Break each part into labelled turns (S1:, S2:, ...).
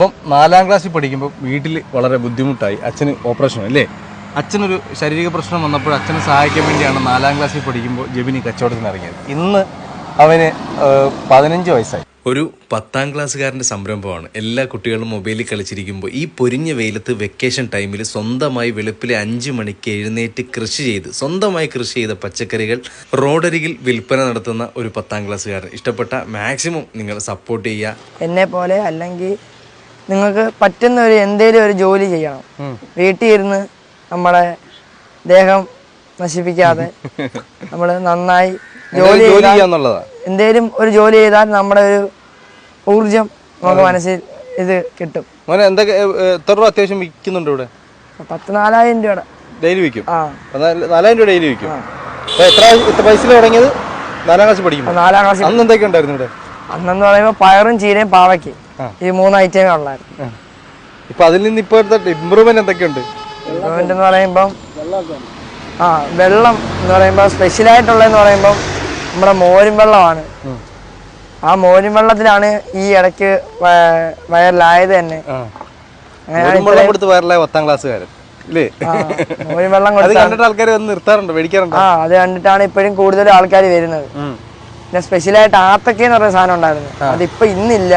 S1: അപ്പം 4ാം ക്ലാസ്സിൽ പഠിക്കുമ്പോൾ വീട്ടിൽ വളരെ ബുദ്ധിമുട്ടായി. അച്ഛന് ഓപ്പറേഷൻ അല്ലേ, അച്ഛനൊരു ശാരീരിക പ്രശ്നം വന്നപ്പോൾ അച്ഛനെ സഹായിക്കാൻ വേണ്ടിയാണ് 4ാം ക്ലാസ്സിൽ പഠിക്കുമ്പോൾ ജെബിനി കച്ചവടത്തിന് ഇറങ്ങിയത്. ഇന്ന് അവന് 15 വയസ്സായി. ഒരു 10ാം ക്ലാസ്സുകാരൻ്റെ സംരംഭമാണ്. എല്ലാ കുട്ടികളും മൊബൈലിൽ കളിച്ചിരിക്കുമ്പോൾ ഈ പൊരിഞ്ഞ വെയിലത്ത് വെക്കേഷൻ ടൈമിൽ സ്വന്തമായി വെളുപ്പിലെ 5 മണിക്ക് എഴുന്നേറ്റ് സ്വന്തമായി കൃഷി ചെയ്ത പച്ചക്കറികൾ റോഡരികിൽ വിൽപ്പന നടത്തുന്ന ഒരു 10ാം ക്ലാസ്സുകാരൻ. ഇഷ്ടപ്പെട്ട മാക്സിമം നിങ്ങൾ സപ്പോർട്ട് ചെയ്യുക.
S2: എന്നെ പോലെ അല്ലെങ്കിൽ നിങ്ങൾക്ക് പറ്റുന്ന എന്തെങ്കിലും ഒരു ജോലി ചെയ്യണം. വീട്ടിൽ ഇരുന്ന് നമ്മുടെ ദേഹം നശിപ്പിക്കാതെ നമ്മൾ നന്നായി ജോലി ചെയ്യാന്നുള്ളതാണ്. എന്തേലും ഒരു ജോലി ചെയ്താൽ നമ്മുടെ ഒരു ഊർജം നമുക്ക് മനസ്സിൽ ഇത് കിട്ടും.
S1: എന്തൊക്കെ എത്ര രൂപ അത്യാവശ്യം വിൽക്കുന്നുണ്ട് ഇവിടെ?
S2: 4,000 രൂപ
S1: ഡെയിലി വിൽക്കും. 4,000 രൂപ ഡെയിലി വിൽക്കും. എത്ര പൈസയിൽ തുടങ്ങിയത്? 4ാം ക്ലാസ് പഠിക്കും.
S2: 4ാം ക്ലാസ്.
S1: അന്ന് എന്തൊക്കെ ഉണ്ടായിരുന്നു ഇവിടെ?
S2: അന്നെന്ന് പറയുമ്പോൾ പയറും ചീരയും പാവയ്ക്ക് ഈ 3 ഐറ്റമേ ഉള്ളായിരുന്നു.
S1: ഇപ്പൊ അതിൽ നിന്ന് ഇപ്പോഴത്തെ ഇമ്പ്രൂവ്മെന്റ് എന്തൊക്കെയുണ്ട്?
S2: ഇമ്പ്രൂവ്മെന്റ് എന്ന് പറയുമ്പം വെള്ളം എന്ന് പറയുമ്പോൾ സ്പെഷ്യലായിട്ടുള്ളതെന്ന് പറയുമ്പോൾ നമ്മുടെ മോരും വെള്ളമാണ്. ആ മോരും വെള്ളത്തിലാണ് ഈ ഇടയ്ക്ക് വൈറലായത് തന്നെ.
S1: വൈറലായ 10ാം ക്ലാസ്സുകാരൻ
S2: മോരും വെള്ളം കൊടുത്തിട്ട്
S1: ആൾക്കാർ വന്ന് നിർത്താറുണ്ട്, മേടിക്കാറുണ്ട്.
S2: അത് കണ്ടിട്ടാണ് ഇപ്പോഴും കൂടുതൽ ആൾക്കാർ വരുന്നത്. പിന്നെ സ്പെഷ്യലായിട്ട് ആത്തക്ക എന്ന് പറയുന്ന സാധനം ഉണ്ടായിരുന്നു, അതിപ്പോ ഇന്നില്ല.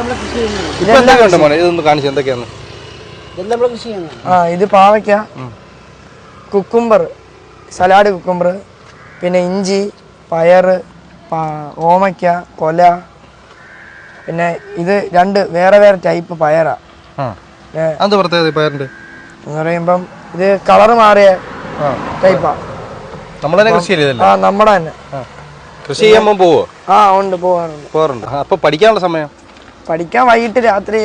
S2: ഇത് പാവയ്ക്ക, കുക്കുംബർ, സലാഡ് കുക്കുംബർ, പിന്നെ ഇഞ്ചി, പയറ്, ഓമയ്ക്ക, കൊല. പിന്നെ ഇത് 2 വേറെ വേറെ ടൈപ്പ് പയറാ. എന്ന് പറയുമ്പം ഇത് കളറ് മാറിയ ടൈപ്പാ. നമ്മുടെ തന്നെ
S1: കൃഷി ചെയ്യാൻ പോവോ?
S2: ഉണ്ട്, പോവാറുണ്ട്.
S1: അപ്പൊ പഠിക്കാനുള്ള സമയം?
S2: പഠിക്കാൻ വൈകിട്ട് രാത്രി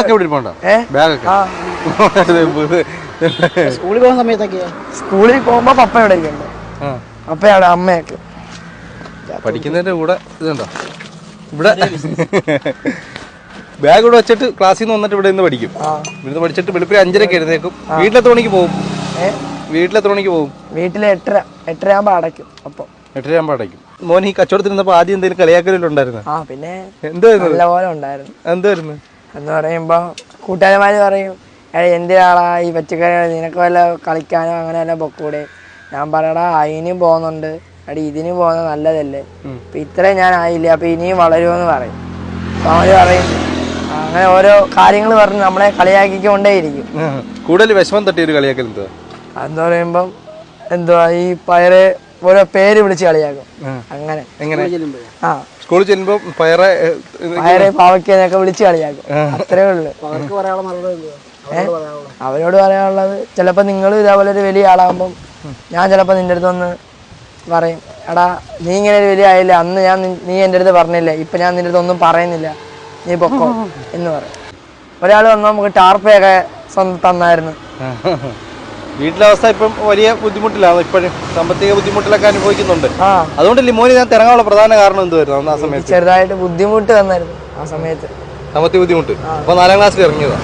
S2: സ്കൂളിൽ പോകുന്ന സമയത്തൊക്കെ. സ്കൂളിൽ പോകുമ്പോ പപ്പ ഇവിടെ ഇരിക്കണ്ടേ, പപ്പയുടെ അമ്മയൊക്കെ.
S1: പഠിക്കുന്നതിന്റെ കൂടെ ഇതുണ്ടോ ഇവിടെ ബാഗ് ഇവിടെ വെച്ചിട്ട് ക്ലാസ്സിൽ നിന്ന് വന്നിട്ട് ഇവിടെ നിന്ന് പഠിക്കും. ഇവിടുന്ന് പഠിച്ചിട്ട് വെളുപ്പിൽ 5:30 എഴുന്നേക്കും. വീട്ടിലെത്ര മണിക്ക് പോകും?
S2: വീട്ടിലെ 8:30 ആകുമ്പോ അടയ്ക്കും. അപ്പം
S1: 8:30 ആകുമ്പോ അടയ്ക്കും. മോൻ ഈ കച്ചവടത്തിരുന്നപ്പോ ആദ്യം എന്തെങ്കിലും കളിയാക്കലുണ്ടായിരുന്നു?
S2: പിന്നെ
S1: എന്തായിരുന്നു?
S2: നല്ലപോലെ ഉണ്ടായിരുന്നു.
S1: എന്തായിരുന്നു
S2: എന്ന് പറയുമ്പോ കൂട്ടുകാരന്മാര് പറയും, എന്തിനാളാ ഈ പച്ചക്കറി, നിനക്ക് വല്ല കളിക്കാനോ അങ്ങനെ വല്ല പൊക്കൂടെ? ഞാൻ പറയടാ, അതിനും പോകുന്നുണ്ട്, ഇതിന് പോകുന്നത് നല്ലതല്ലേ, അപ്പൊ ഇത്രയും ഞാൻ ആയില്ല, അപ്പൊ ഇനിയും വളരുമെന്ന് പറയും. അപ്പൊ അവര് പറയും അങ്ങനെ ഓരോ കാര്യങ്ങൾ പറഞ്ഞ് നമ്മളെ കളിയാക്കിക്കൊണ്ടേയിരിക്കും.
S1: കൂടുതൽ വിഷമം തട്ടിയ ഒരു കളിയാക്കൽ
S2: അതെന്ന് പറയുമ്പം എന്തുവാ, ഈ പയറ് ഓരോ പേര് വിളിച്ച് കളിയാക്കും. അങ്ങനെ
S1: സ്കൂളിൽ ചെല്ലുമ്പോ പയറ്
S2: പാവയ്ക്കൊക്കെ വിളിച്ച് കളിയാക്കും. അത്രേ ഉള്ളു. അവരോട് പറയാനുള്ളത്, ചിലപ്പോ നിങ്ങൾ ഇതേപോലെ ഒരു വലിയ ആളാകുമ്പം ഞാൻ ചിലപ്പോ നിന്റെ അടുത്ത് ഒന്ന് പറയും, എടാ നീ ഇങ്ങനെ ഒരു വലിയ ആയില്ല, അന്ന് നീ എൻ്റെ അടുത്ത് പറഞ്ഞില്ലേ, ഇപ്പൊ ഞാൻ നിന്റെ അടുത്ത് ഒന്നും പറയുന്നില്ല, നീ പൊക്കോ എന്ന് പറയും. ഒരാൾ വന്നാൽ നമുക്ക് ടാർപ്പയൊക്കെ തന്നായിരുന്നു.
S1: വീട്ടിലെ അവസ്ഥ ഇപ്പം വലിയ ബുദ്ധിമുട്ടിലാണ്. ഇപ്പോഴും സാമ്പത്തിക ബുദ്ധിമുട്ടിലൊക്കെ അനുഭവിക്കുന്നുണ്ട്. അതുകൊണ്ട് ലിമോനി ഞാൻ ഇറങ്ങാനുള്ള പ്രധാന കാരണം എന്തുവായിരുന്നു? ആ സമയത്ത്
S2: ചെറുതായിട്ട് ബുദ്ധിമുട്ട് വന്നായിരുന്നു. ആ സമയത്ത്
S1: സാമ്പത്തിക ബുദ്ധിമുട്ട്. അപ്പൊ 4ാം ക്ലാസ്സിൽ ഇറങ്ങിയതാ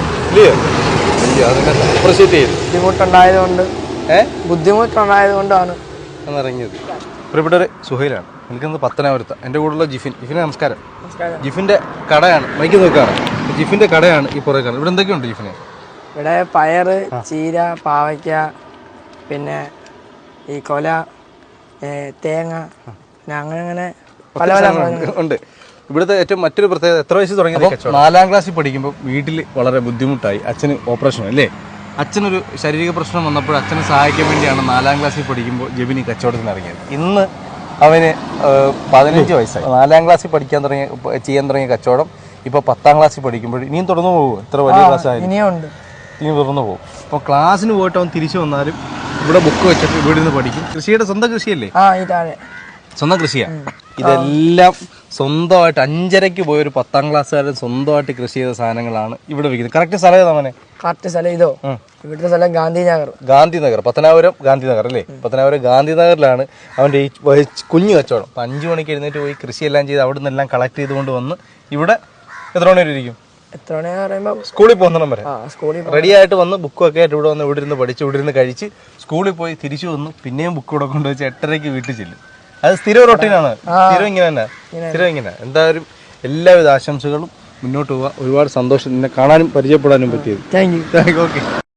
S2: ബുദ്ധിമുട്ടുണ്ടായതുകൊണ്ടാണ്
S1: ഇറങ്ങിയത്. പ്രിയപ്പെട്ടവരെ, സുഹൈലാണ്. എനിക്കൊന്ന് പത്തനാപുരത്ത്. എൻ്റെ കൂടെയുള്ള ജിഫിൻ. നമസ്കാരം. ജിഫിന്റെ കടയാണ്, മൈക്ക് നോക്കുകയാണ്. ജിഫിന്റെ കടയാണ് ഈ പുറകെ കാണുന്നത്. ഇവിടെ എന്തൊക്കെയുണ്ട് ജിഫിന്?
S2: ഇവിടെ പയറ്, ചീര, പാവയ്ക്ക, പിന്നെ ഈ കൊല, തേങ്ങ, അങ്ങനെ പല പല
S1: ഉണ്ട്. ഇവിടുത്തെ ഏറ്റവും മറ്റൊരു പ്രത്യേകത, എത്ര വയസ്സ് തുടങ്ങിയത്? 4ാം ക്ലാസ്സിൽ പഠിക്കുമ്പോൾ വീട്ടിൽ വളരെ ബുദ്ധിമുട്ടായി. അച്ഛന് ഓപ്പറേഷൻ അല്ലേ, അച്ഛനൊരു ശാരീരിക പ്രശ്നം വന്നപ്പോൾ അച്ഛനെ സഹായിക്കാൻ വേണ്ടിയാണ് 4ാം ക്ലാസ്സിൽ പഠിക്കുമ്പോൾ ജെബിനി കച്ചവടത്തിന് ഇറങ്ങിയത്. ഇന്ന് അവന് 15 വയസ്സായി. 4ാം ക്ലാസ്സിൽ ചെയ്യാൻ തുടങ്ങിയ കച്ചവടം ഇപ്പോൾ 10ാം ക്ലാസ്സിൽ പഠിക്കുമ്പോൾ ഇനിയും തുടർന്നു പോകും. എത്ര വലിയ ക്ലാസ് ആയാലും ഇനിയും തുടർന്നു പോകും. അപ്പോൾ ക്ലാസ്സിന് പോയിട്ട് അവൻ തിരിച്ചു വന്നാലും ഇവിടെ ബുക്ക് വെച്ചിട്ട് ഇവിടെ നിന്ന് പഠിക്കും. കൃഷിയുടെ സ്വന്തം കൃഷിയല്ലേ? സ്വന്തം കൃഷിയാണ്. ഇതെല്ലാം സ്വന്തമായിട്ട് 5:30 പോയൊരു 10ാം ക്ലാസ്സുകാരൻ സ്വന്തമായിട്ട് കൃഷി ചെയ്ത സാധനങ്ങളാണ് ഇവിടെ വിൽക്കുന്നത്. കറക്റ്റ് സ്ഥലം ഏതാ?
S2: കറക്റ്റ് സ്ഥലം ഇതോ? ഇവിടുത്തെ സ്ഥലം ഗാന്ധിനഗർ.
S1: പത്തനാപുരം ഗാന്ധിനഗർ അല്ലേ? പത്തനാപുരം ഗാന്ധിനഗറിലാണ് അവൻ്റെ ഈ കുഞ്ഞു കച്ചവടം. 5 മണിക്ക് എഴുന്നേറ്റ് പോയി കൃഷിയെല്ലാം ചെയ്ത് അവിടെ നിന്നെല്ലാം കളക്ട് ചെയ്തുകൊണ്ട് വന്ന് ഇവിടെ എത്ര മണി വരെ ഇരിക്കും? സ്കൂളിൽ പോകുന്ന വരെ റെഡി ആയിട്ട് വന്ന് ബുക്കൊക്കെ ആയിട്ട് ഇവിടെ വന്ന് ഇവിടെ ഇരുന്ന് പഠിച്ച് ഇവിടെ ഇരുന്ന് കഴിച്ച് സ്കൂളിൽ പോയി തിരിച്ചു വന്ന് പിന്നെയും ബുക്ക് ഇവിടെ കൊണ്ടുവച്ച് 8:30 വീട്ടിൽ ചെല്ലും. അത് സ്ഥിരം റൊട്ടീനാണ്. സ്ഥിരം ഇങ്ങനെ. എന്തായാലും എല്ലാവിധ ആശംസകളും മുന്നോട്ട് പോവുക. ഒരുപാട് സന്തോഷം നിന്നെ കാണാനും പരിചയപ്പെടാനും പറ്റിയത്.
S2: Thank you.
S1: ഓക്കെ.